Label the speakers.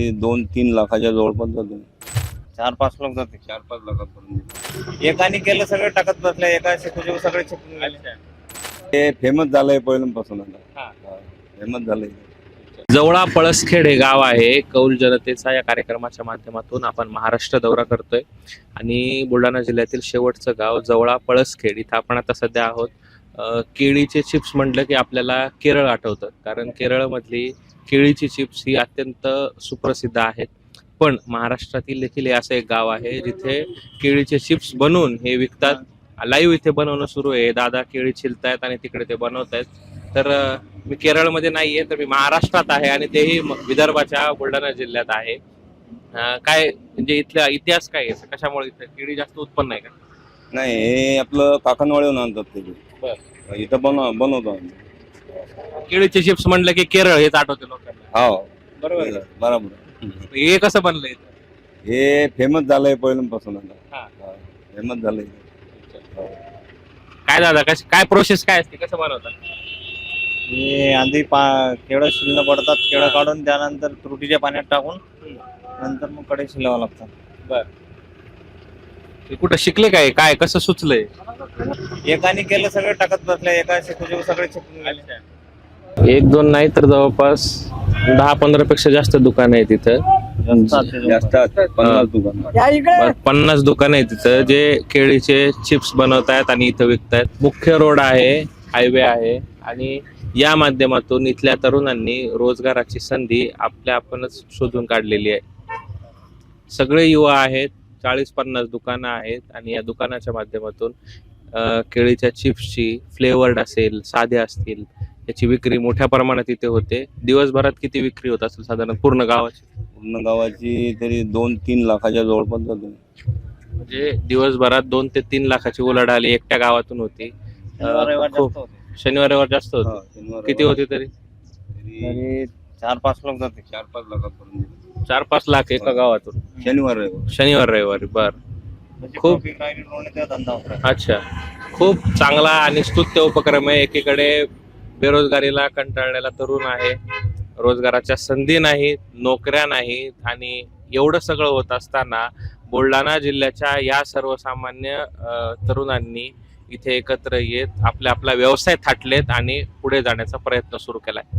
Speaker 1: तरी 2-3 लाखाच्या जवळपास जातो.
Speaker 2: 4-5 लोक जाते.
Speaker 1: 4-5 लाखापर्यंत.
Speaker 2: एकाने केलं सगळं टाकत बसल्या, एका शिकूचे सगळे शिकून गेले.
Speaker 1: हे फेमस झालंय पहिल्यापासून आता.
Speaker 2: हा.
Speaker 1: फेमस झालंय.
Speaker 3: जवळा पळसखेड हे गाव आहे. कौल जनतेचा या कार्यक्रमाच्या माध्यमातून आपण महाराष्ट्र दौरा करतोय आणि बुलढाणा जिल्ह्यातील शेवटचं गाव जवळा पळसखेड इथं आपण आता सध्या आहोत. केळीचे चिप्स म्हटलं की आपल्याला केरळ आठवतं, कारण केरळमधली केळीची चिप्स ही अत्यंत सुप्रसिद्ध आहेत. पण महाराष्ट्रातील देखील हे असं एक गाव आहे जिथे केळीचे चिप्स बनवून हे विकतात. लाईव्ह इथे बनवणं सुरू आहे. दादा केळी छिलतायत आणि तिकडे ते बनवतायत. तर मी केरळमध्ये नाहीये, तर मी महाराष्ट्रात आहे आणि तेही विदर्भाच्या बुलढाणा जिल्ह्यात आहे. काय म्हणजे इथला इतिहास काय आहे? कशामुळे इथं केळी जास्त उत्पन्न आहे का?
Speaker 1: नाही, हे आपलं काकणवाडीहून आणतात ते. इथं बनवतो आम्ही.
Speaker 3: केळीचे चिप्स म्हणलं की केरळ हेच आठवते लोकांना.
Speaker 1: हो,
Speaker 3: बरोबर.
Speaker 1: बरोबर.
Speaker 3: हे कसं बनलं इथं?
Speaker 1: हे फेमस झालंय पहिल्यापासून आता.
Speaker 3: हा.
Speaker 1: फेमस झालंय.
Speaker 3: काय दादा काय प्रोसेस काय असते, कसं बनवतात?
Speaker 2: हे आधी केळं शिलणं पडतात, केळं काढून त्यानंतर त्रुटीच्या पाण्यात टाकून नंतर मग कडे शिलावं लागतात.
Speaker 3: हे कुठं शिकले काय कसं सुचलंय?
Speaker 2: एकाने केलं सगळं टाकत बसल्या, एका शिकूचे सगळे शिकून गेले.
Speaker 3: 1-2 नाही तर जवळपास 10-15 पेक्षा जास्त दुकान आहे तिथं.
Speaker 1: जास्त असतात, 50 दुकान.
Speaker 3: 50 दुकान आहे तिथं जे केळीचे चिप्स बनवतायत आणि इथं विकतायत. मुख्य रोड आहे, हायवे आहे आणि या माध्यमातून इथल्या तरुणांनी रोजगाराची संधी आपणच शोधून काढलेली आहे. सगळे युवा आहेत, 40-50 दुकानं आहेत आणि या दुकानाच्या माध्यमातून केळीच्या चिप्सची फ्लेवर्ड असेल, साध्या असतील, याची विक्री मोठ्या प्रमाणात इथे होते. दिवसभरात किती विक्री होत असेल साधारण पूर्ण गावाची?
Speaker 1: पूर्ण गावाची तरी 2-3 लाखाच्या जवळपास जातो.
Speaker 3: म्हणजे दिवसभरात 2 ते 3 लाखाची उलाढाल एकट्या गावातून होती. शनिवार रविवार जास्त होते. किती होते तरी?
Speaker 2: 4-5 लोक जाते.
Speaker 1: 4-5 लाखापर्यंत.
Speaker 3: 4-5 लाख एका गावातून शनिवार रविवारी. बर, खूप
Speaker 2: धंदा होता.
Speaker 3: अच्छा, खूप चांगला आणि स्तुत्य उपक्रम आहे. एकीकडे बेरोजगारीला कंटाळलेला तरुण आहे, रोजगाराच्या संधी नाहीत, नोकऱ्या नाहीत आणि एवढं सगळं होत असताना बुलढाणा जिल्ह्याच्या या सर्वसामान्य तरुणांनी इथे एकत्र येत आपला व्यवसाय थाटलेत आणि पुढे जाण्याचा प्रयत्न सुरू केलाय.